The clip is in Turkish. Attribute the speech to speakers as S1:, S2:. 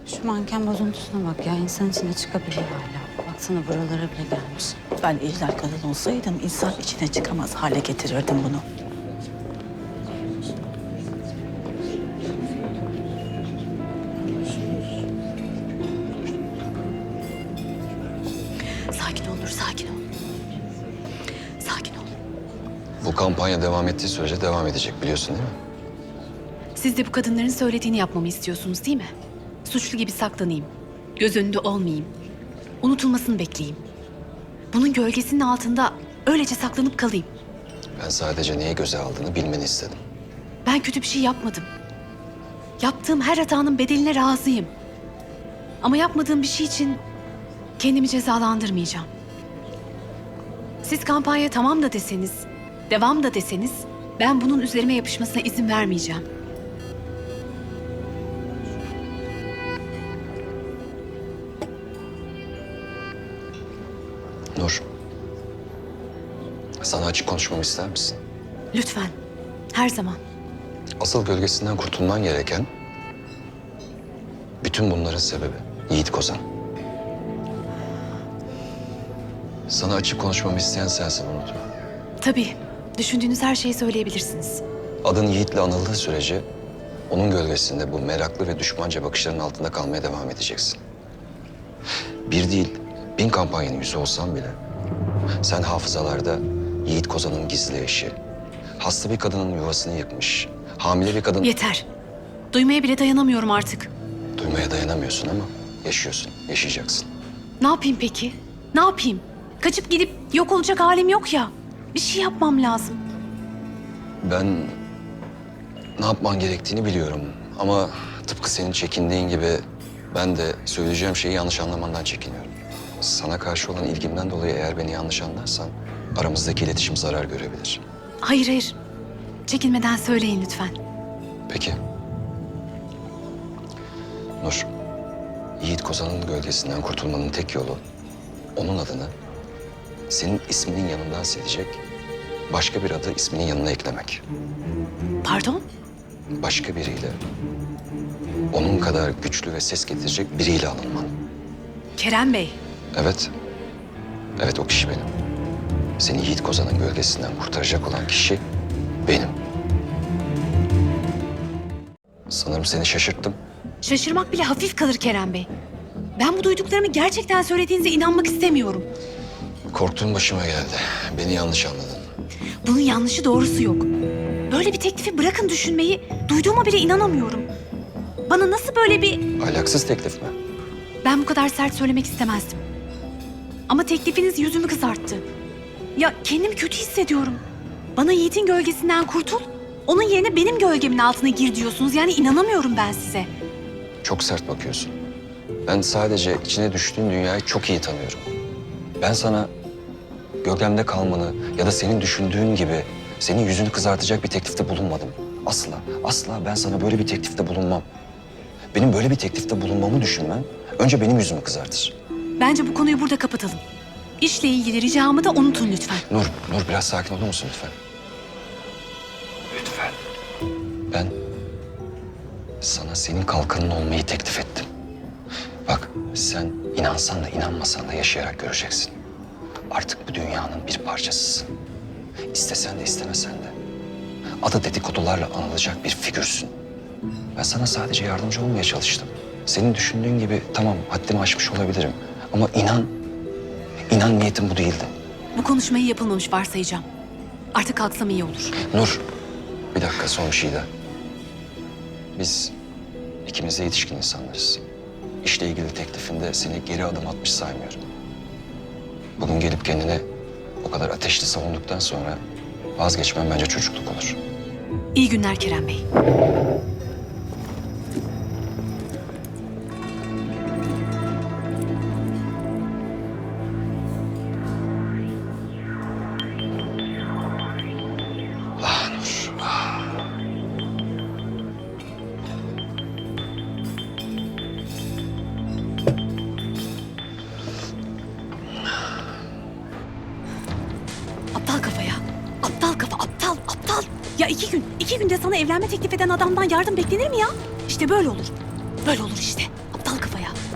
S1: Şu manken bozuntusuna bak ya. İnsan içine çıkabiliyor hala. Baksana buralara bile gelmiş.
S2: Ben ejder kadın olsaydım insan içine çıkamaz hale getirirdim bunu. Sakin ol Nur, sakin ol. Sakin ol.
S3: Bu kampanya devam ettiği sürece devam edecek biliyorsun değil mi?
S4: Siz de bu kadınların söylediğini yapmamı istiyorsunuz değil mi? Suçlu gibi saklanayım. Göz önünde olmayayım. Unutulmasını bekleyeyim. Bunun gölgesinin altında öylece saklanıp kalayım.
S3: Ben sadece neyi göze aldığını bilmeni istedim.
S4: Ben kötü bir şey yapmadım. Yaptığım her hatanın bedeline razıyım. Ama yapmadığım bir şey için kendimi cezalandırmayacağım. Siz kampanya tamam da deseniz, devam da deseniz ben bunun üzerime yapışmasına izin vermeyeceğim.
S3: Nur, sana açık konuşmamı ister misin?
S4: Lütfen, her zaman.
S3: Asıl gölgesinden kurtulman gereken bütün bunların sebebi Yiğit Kozan. Sana açık konuşmamı isteyen sensin, unutma.
S4: Tabii, düşündüğünüz her şeyi söyleyebilirsiniz.
S3: Adın Yiğit'le anıldığı sürece onun gölgesinde bu meraklı ve düşmanca bakışların altında kalmaya devam edeceksin. Bir değil, 1000 kampanyanın yüzü olsan bile sen hafızalarda Yiğit Kozan'ın gizli eşi, hasta bir kadının yuvasını yıkmış, hamile bir kadın...
S4: Yeter. Duymaya bile dayanamıyorum artık.
S3: Duymaya dayanamıyorsun ama yaşıyorsun, yaşayacaksın.
S4: Ne yapayım peki? Ne yapayım? Kaçıp gidip yok olacak halim yok ya. Bir şey yapmam lazım.
S3: Ben ne yapman gerektiğini biliyorum ama tıpkı senin çekindiğin gibi ben de söyleyeceğim şeyi yanlış anlamandan çekiniyorum. Sana karşı olan ilgimden dolayı eğer beni yanlış anlarsan aramızdaki iletişim zarar görebilir.
S4: Hayır hayır. Çekinmeden söyleyin lütfen.
S3: Peki. Nur, Yiğit Kozan'ın gölgesinden kurtulmanın tek yolu onun adını senin isminin yanından silecek, başka bir adı isminin yanına eklemek.
S4: Pardon?
S3: Başka biriyle, onun kadar güçlü ve ses getirecek biriyle alınman.
S4: Kerem Bey.
S3: Evet, evet o kişi benim. Seni Yiğit Kozan'ın gölgesinden kurtaracak olan kişi benim. Sanırım seni şaşırttım.
S4: Şaşırmak bile hafif kalır Kerem Bey. Ben bu duyduklarımı gerçekten söylediğinize inanmak istemiyorum.
S3: Korktuğum başıma geldi. Beni yanlış anladın.
S4: Bunun yanlışı doğrusu yok. Böyle bir teklifi bırakın düşünmeyi, duyduğuma bile inanamıyorum. Bana nasıl böyle bir...
S3: Ahlaksız teklif mi?
S4: Ben bu kadar sert söylemek istemezdim. Ama teklifiniz yüzümü kızarttı. Ya kendimi kötü hissediyorum. Bana Yiğit'in gölgesinden kurtul, onun yerine benim gölgemin altına gir diyorsunuz. Yani inanamıyorum ben size.
S3: Çok sert bakıyorsun. Ben sadece içine düştüğün dünyayı çok iyi tanıyorum. Ben sana gölgemde kalmanı ya da senin düşündüğün gibi senin yüzünü kızartacak bir teklifte bulunmadım. Asla, asla ben sana böyle bir teklifte bulunmam. Benim böyle bir teklifte bulunmamı düşünmen önce benim yüzümü kızartır.
S4: Bence bu konuyu burada kapatalım. İşle ilgili ricamı da unutun lütfen.
S3: Nur biraz sakin olur musun lütfen? Lütfen. Ben sana senin kalkanın olmayı teklif ettim. Bak sen inansan da inanmasan da yaşayarak göreceksin. Artık bu dünyanın bir parçasısın. İstesen de istemesen de. Adı dedikodularla anılacak bir figürsün. Ben sana sadece yardımcı olmaya çalıştım. Senin düşündüğün gibi tamam haddimi aşmış olabilirim. Ama inan niyetim bu değildi.
S4: Bu konuşmayı yapılmamış varsayacağım. Artık kalksam iyi olur.
S3: Nur, bir dakika son bir şey daha. Biz ikimiz de yetişkin insanlarız. İşle ilgili teklifinde seni geri adım atmış saymıyorum. Bugün gelip kendine o kadar ateşli savunduktan sonra vazgeçmem bence çocukluk olur.
S4: İyi günler Kerem Bey.
S3: Ah Nur, ah.
S4: Aptal kafa ya. Aptal kafa, aptal. Ya iki günde sana evlenme teklif eden adamdan yardım beklenir mi ya? İşte böyle olur. Böyle olur işte. aptal kafaya.